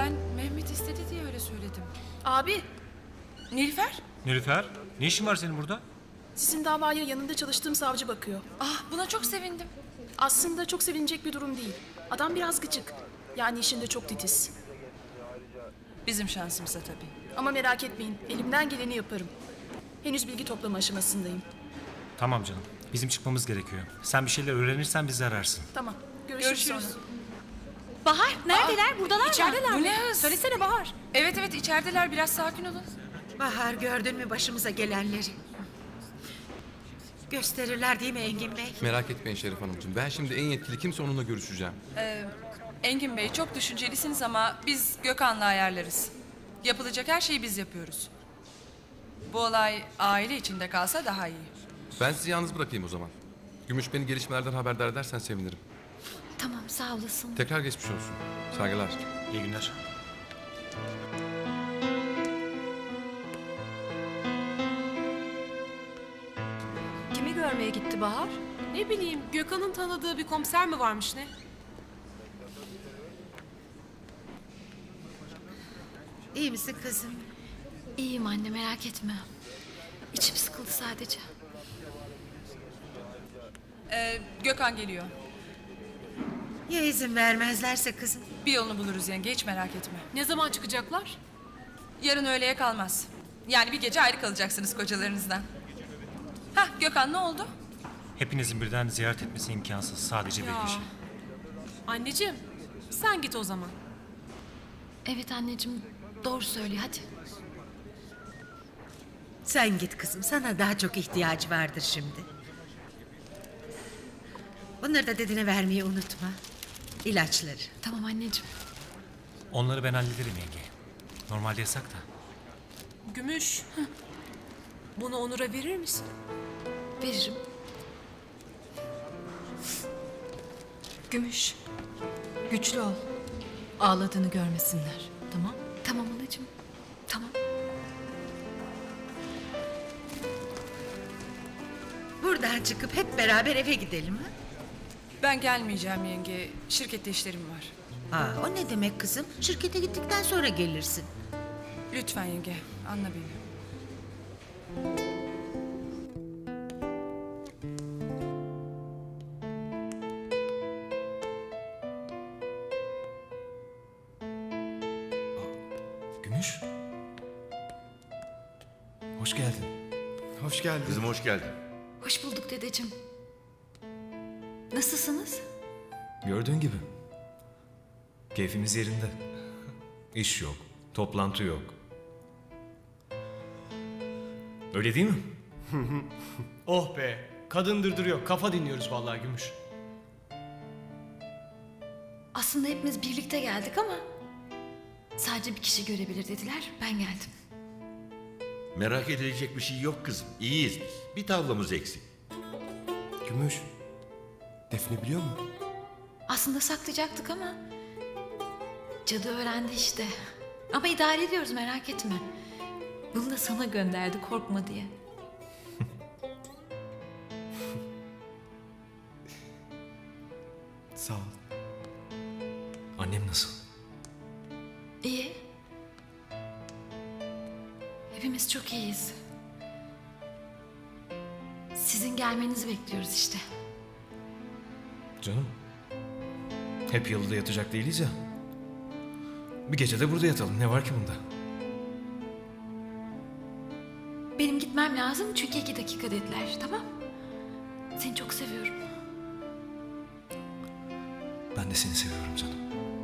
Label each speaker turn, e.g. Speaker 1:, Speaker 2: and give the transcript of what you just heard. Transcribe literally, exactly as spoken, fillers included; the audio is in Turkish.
Speaker 1: ben Mehmet istedi diye öyle söyledim.
Speaker 2: Abi,
Speaker 1: Nilüfer?
Speaker 3: Nilüfer, ne işin var senin burada?
Speaker 2: sizin davaya yanında çalıştığım savcı bakıyor.
Speaker 1: Ah, buna çok sevindim.
Speaker 2: Aslında çok sevinecek bir durum değil. Adam biraz gıcık. Yani işinde çok titiz.
Speaker 1: Bizim şansımıza tabii.
Speaker 2: Ama merak etmeyin, elimden geleni yaparım. Henüz bilgi toplama aşamasındayım.
Speaker 3: Tamam canım, bizim çıkmamız gerekiyor. Sen bir şeyler öğrenirsen bizi ararsın.
Speaker 2: Tamam, görüşürüz,
Speaker 1: Görüşürüz.
Speaker 2: sonra.
Speaker 4: Bahar neredeler? Buradalar mı?
Speaker 1: İçerideler mi? Bu ne hız?
Speaker 4: Söylesene Bahar.
Speaker 1: Evet evet içerideler, biraz sakin olun.
Speaker 5: Bahar, gördün mü başımıza gelenleri? Gösterirler değil mi Engin Bey?
Speaker 6: Merak etmeyin Şerif Hanımcığım. Ben şimdi en yetkili kimse onunla görüşeceğim.
Speaker 1: Engin Bey, çok düşüncelisiniz ama biz Gökhan'la ayarlarız. Yapılacak her şeyi biz yapıyoruz. Bu olay aile içinde kalsa daha iyi.
Speaker 6: Ben sizi yalnız bırakayım o zaman. Gümüş, beni gelişmelerden haberdar edersen sevinirim.
Speaker 4: Tamam sağ olasın.
Speaker 6: Tekrar geçmiş olsun. Saygılar.
Speaker 3: İyi günler.
Speaker 4: Kimi görmeye gitti Bahar?
Speaker 7: Ne bileyim, Gökhan'ın tanıdığı bir komiser mi varmış ne?
Speaker 5: İyi misin kızım?
Speaker 4: İyiyim anne merak etme. İçim sıkıldı sadece.
Speaker 1: Ee, Gökhan geliyor.
Speaker 5: Ya izin vermezlerse kızım?
Speaker 1: Bir yolunu buluruz yenge, hiç merak etme.
Speaker 7: Ne zaman çıkacaklar?
Speaker 1: Yarın öğleye kalmaz. Yani bir gece ayrı kalacaksınız kocalarınızdan. Hah, Gökhan ne oldu?
Speaker 3: Hepinizin birden ziyaret etmesi imkansız. Sadece bir
Speaker 7: Ya.
Speaker 3: kişi.
Speaker 7: Anneciğim, sen git o zaman.
Speaker 4: Evet anneciğim doğru söylüyor hadi.
Speaker 5: Sen git kızım, sana daha çok ihtiyacı vardır şimdi. Bunları da dedine vermeyi unutma. İlaçları.
Speaker 4: Tamam anneciğim.
Speaker 3: Onları ben hallederim yenge. Normalde yasak da.
Speaker 7: Gümüş, bunu Onur'a verir misin?
Speaker 4: Veririm.
Speaker 8: Gümüş, güçlü ol. Ağladığını görmesinler, tamam?
Speaker 4: Tamam anacığım. Tamam.
Speaker 5: Buradan çıkıp hep beraber eve gidelim ha?
Speaker 1: Ben gelmeyeceğim yenge. Şirkette işlerim var.
Speaker 5: Aa, o ne demek kızım? Şirkete gittikten sonra gelirsin.
Speaker 1: Lütfen yenge, anla beni.
Speaker 9: Gümüş. Hoş geldin.
Speaker 10: Hoş geldin.
Speaker 11: Kızım hoş geldin.
Speaker 4: Hoş bulduk dedeciğim. Nasılsınız?
Speaker 9: Gördüğün gibi. Keyfimiz yerinde. İş yok, toplantı yok. Öyle değil mi?
Speaker 10: Oh be. Kadın dırdırıyor. Kafa dinliyoruz vallahi Gümüş.
Speaker 4: Aslında hepimiz birlikte geldik ama sadece bir kişi görebilir dediler. Ben geldim.
Speaker 11: Merak edilecek bir şey yok kızım. İyiyiz biz. Bir tavlamız eksik.
Speaker 10: Gümüş. Defne biliyor mu?
Speaker 4: Aslında saklayacaktık ama cadı öğrendi işte. Ama idare ediyoruz merak etme. Bunu da sana gönderdi korkma diye.
Speaker 10: Sağ ol.
Speaker 9: Annem nasıl?
Speaker 4: İyi. Hepimiz çok iyiyiz. Sizin gelmenizi bekliyoruz işte.
Speaker 9: Canım. Hep yalıda yatacak değiliz ya. Bir gece de burada yatalım. Ne var ki bunda?
Speaker 4: Benim gitmem lazım çünkü iki dakika dediler tamam. Seni çok seviyorum.
Speaker 9: Ben de seni seviyorum canım.